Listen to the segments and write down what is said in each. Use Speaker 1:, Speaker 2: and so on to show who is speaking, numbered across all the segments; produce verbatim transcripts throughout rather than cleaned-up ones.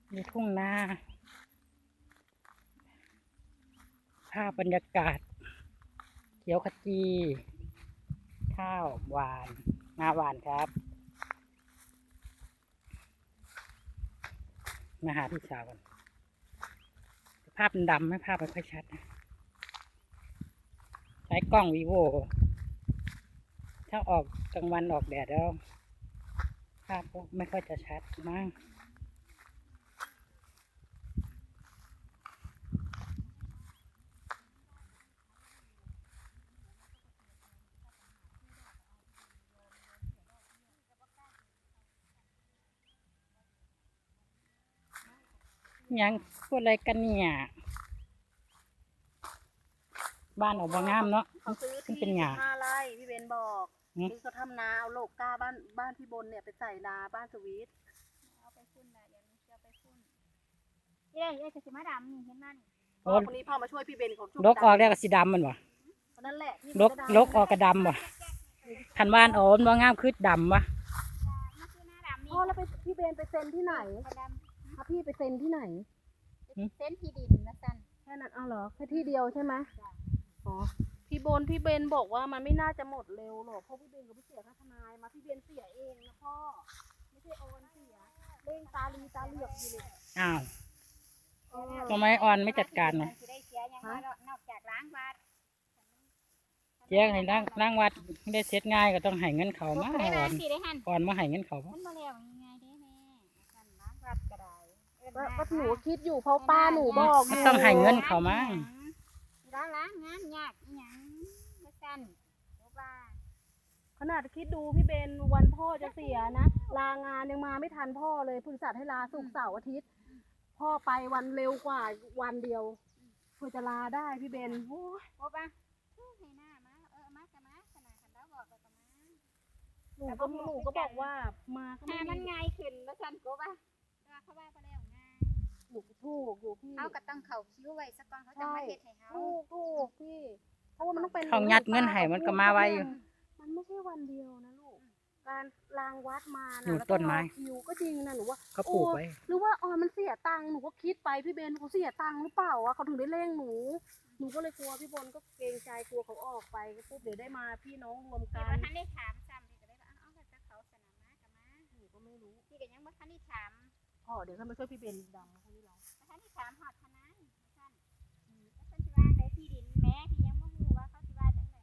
Speaker 1: มีทุ่งนาภาพบรรยากาศเขียวขจี ข้าวหวานงาหวานครับ มาหาพี่สาวกันภาพมันดำไม่ภาพไม่ค่อยชัดนะใช้กล้องวีโวถ้าออกกลางวันออกแดดแล้ว ภาพก็ไม่ค่อยจะชัดมากยังพูดอะไรกันเนี่ยบ้านออกบางงามเนาะ
Speaker 2: เขาซื้อ
Speaker 1: มัน
Speaker 2: ที่
Speaker 1: เป็นหยา
Speaker 2: ห้าไร่พี่เบนบอก
Speaker 1: หืม
Speaker 2: นี่เขาทำนาเอาโลกก้าบ้านบ้านพี่บนเนี่ยไปใส่นาบ้านสวีท
Speaker 3: เอาไปพุ่นนะเดี๋ยวนี้จะเอาไปพุ่นเย้เย้จะสิมาดำนี่เห็นมัน
Speaker 1: โอ้
Speaker 2: คนนี้พ่อมาช่วยพี่เบนเขาช่วย
Speaker 1: ลกออกแล้วก็สีดำมันวะ
Speaker 2: คนนั้นแหละที่
Speaker 1: ลกลกออกกระดำวะคันบ้านโอนบางงามคือดำวะ
Speaker 3: มันคือหน้าดำนี่
Speaker 2: พ่อแล้วไปพี่เบนไปเซ็นที่ไหน
Speaker 3: กระด
Speaker 2: ถ้าพี่ไปเซ็นที่ไหน
Speaker 3: ำเส้นที่ดินนะสัน
Speaker 2: แค่นั้นเอาเหรอแค่ที่เดียวใช่ไหมอ๋อพี่บนพี่เบนบอกว่ามันไม่น่าจะหมดเร็วหรอกเพราะพี่เบนก็ไม่เสียค่าทนายมาพี่เบนเสียเองนะพ่อไม่ใช่โอนเสียเร่งตาลีตาเหลือกอยู่เลย
Speaker 1: อ้าว
Speaker 2: เออ
Speaker 1: ทำไมออนไม่จัดการเนาะ
Speaker 3: สิได้เสียยังไงนอกจากล้างบาท
Speaker 1: แจ้งให้ร่างร่างวัดได้เสร็จง่ายก็ต้องให้เงินเขามา
Speaker 3: ได้
Speaker 1: อ่
Speaker 3: บ้า
Speaker 1: อน น
Speaker 3: สิได้หัน
Speaker 1: อ่อนมาให้เงินเขามา
Speaker 3: มันมาแล้วยังไงเด้แม่สันล้างบาทก็ได้เอิ้น
Speaker 2: ก็
Speaker 3: มา
Speaker 2: ก็หนูคิดอยู่เพราะป้าหนูบอกอ
Speaker 1: มัน
Speaker 2: ยู่
Speaker 1: ต้องให้เงินเขามา
Speaker 3: ล้างล้างงานยากอีหยังนะสันโอ้บ้า
Speaker 2: ขนาดคิดดูพี่เบนวันพ่อจะเสียนะลางานยังมาไม่ทันพ่อเลยพึงสัตว์ให้ลาศุกร์เสาร์อาทิตย์ พ่อไปวันเร็วกว่าวันเดียวเพื่อจะลาได้พี่เบนโอ้ย
Speaker 3: โอ้บ้าให้หน้ามาเออมาจะมาขนาดคันเราบอกก็จะมา
Speaker 2: หนูก็หนูก็บอกว่ามาก็ไม่
Speaker 3: หามัน
Speaker 2: มี
Speaker 3: ง่ายขึ้นแล้วสันโก้ป่ะว่าเขาว่าไปแล้วง่าย
Speaker 2: หนูถูกอยู่พี่
Speaker 3: เขาก็ต้องเข่าคิ้วไว้สักก่อนเขาจะมาเฮ็ดให้เขา
Speaker 2: ถูกถูกพี่เพราะว่ามันต้องเป็น
Speaker 1: เขายัดเงินให้มันก็มาไว้อยู่
Speaker 2: มันไม่ใช่วันเดียวนะลูกการลางวัดมา
Speaker 1: หนู
Speaker 2: นะ
Speaker 1: ต้นไม้
Speaker 2: แล้วก็รอคิวก็จริงนะหนูว่า
Speaker 1: เขาปลูกไว้
Speaker 2: หรือว่าอ๋อมันเสียตังค์หนูก็คิดไปพี่เบนเขาเสียตังค์หรือเปล่าวะเขาถึงได้เร่งหนู หนูก็เลยกลัวพี่บนก็เกรงใจกลัวเขาออกไปก็ปุ๊บเดี๋ยวได้มาพี่น้องรวม
Speaker 3: พี่
Speaker 2: กั
Speaker 3: ว่าน ท่านได้ถามซ้ำพี่ก็เลยว่าเอาแต่เขาสนามมากับมา
Speaker 2: หนูก็ไม่รู้
Speaker 3: พี่ก็ยังบ่ทันได้ถาม
Speaker 2: พ่อเดี๋ยวเขามาช่วยพี่เบนดำคนนี้เรา
Speaker 3: บ่ทันได้ถามฮอดทนายท่านอืมแล้วเพิ่นสิว่าได้ที่ดินแม้พี่ยังบ่ฮู้ว่าเขาสิว่าจังได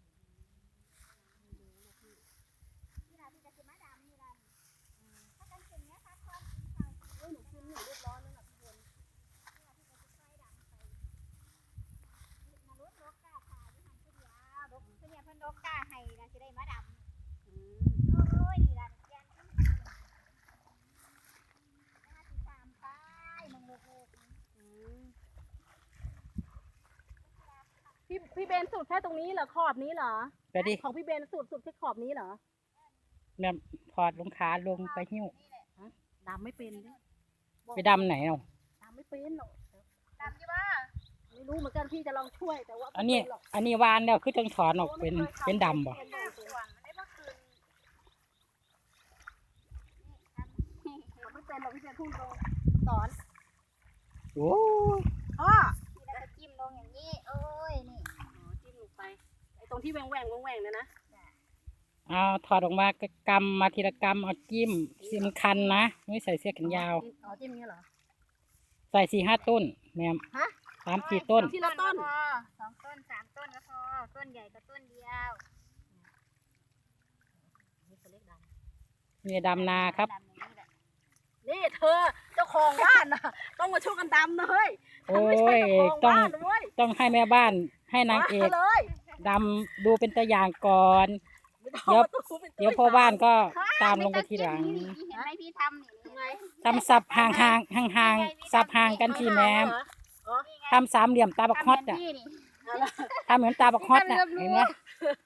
Speaker 3: นี่ล่ะพี่ก็สิมาดำนี่ล่ะอืมถ้ากันเป็นเนี้ยพักผ่อนกินข้าว
Speaker 2: เอ้ยหนูกินหนูเรียบร้อยแล้วนะพี่บน
Speaker 3: นี่ล่ะพี่ก็สิค่อยดำไปมนุษย์นกกาถ่ายอยู่หั่นผู้เดียวนกผู้เนี่ยเพิ่นนกกาให้น่ะสิได้มาดำ
Speaker 2: อืม
Speaker 3: โอ้ยนี่ล่ะแกนขึ้นห้าสิบสามป้ายมึงโลก
Speaker 2: อืมพี่พี่เบนสุดแค่ตรงนี้เหรอขอบนี้เหรอ
Speaker 1: ไปดิ
Speaker 2: ของพี่เบนสุดสุดแค่ขอบนี้เหรอ
Speaker 1: เนี่ยถอดรองขาลงไปหิ้ว
Speaker 2: ดำไม่เป็นดิ
Speaker 1: ไปดำไหนเอา
Speaker 2: ดำไม่เป็นหรอก
Speaker 3: ดำยี่ว่า
Speaker 2: ไม่รู้เหมือนกันพี่จะลองช่วยแต่ว่า
Speaker 1: อันนี้
Speaker 2: ไม่เป็หรก
Speaker 1: อันนี้วานแล้วคือต้องถอนออกเป็นเป็นดำบ่
Speaker 3: เป็นหน้าส่วนมันได้ว่าคืน
Speaker 2: เราไม่เป็นหรอกพี่เบนพูดตรงสอน
Speaker 1: โอ้ย
Speaker 2: พ่อ
Speaker 3: ที่เราจะจิ้มลงอย่างนี้โอ้ยนี่
Speaker 2: อ๋อจิ้มลงไปไอ้ตรงที่แหว่งแหว่งแหว่งๆเนี่ยนะ
Speaker 1: เอาถอดออกมาก็กำมาทีละกำเอาจิ้มสิมันคันนะไม่ใส่เสื้อแขนยาว
Speaker 2: อ๋อจิ้มอย่างเงี้ยเหรอ
Speaker 1: ใส่สี่ห้าต้นแม่ม
Speaker 2: ฮะ
Speaker 1: สามสี่ต้น
Speaker 2: ทีละต้น
Speaker 3: พอสองต้นสามต้นก็พอต้นใหญ่ก็ต้นเดียว
Speaker 2: นี่เขาเรียกด
Speaker 1: นี่ดำนาครับ
Speaker 3: ดำอย่างนี้แหละ
Speaker 2: ำนี่เธอเจ้าของบ้านนะต้องมาช่วยกันดำนะเฮ้ย
Speaker 1: โอ้
Speaker 2: ไม่ใช่
Speaker 1: ย
Speaker 2: เจ้าของ
Speaker 1: ต้อง
Speaker 2: บ้านนะเว้ย
Speaker 1: ต้องให้แม่บ้านให้นางเอก
Speaker 2: มเลย
Speaker 1: ดำดูเป็นตัวอย่างก่อน
Speaker 2: ไม่ต้องมาตู้เป็นตู้
Speaker 1: เดี๋ยวพ่อบ้านก็ตามลงไปทีหลัง
Speaker 3: นี่เห็นไหมพี่ทำนี่
Speaker 2: ยังไง
Speaker 1: ทำสับห่างห่างห่างห่างๆสับห่างกันที่แม่ม
Speaker 2: อ๋อ
Speaker 1: ทำสามเหลี่ยมตาบักฮอตอ่ะ
Speaker 3: ทำแบบนี้นี่
Speaker 2: เอาละ
Speaker 1: ทำเหมือนตาบักฮอตน่ะเห็นไหม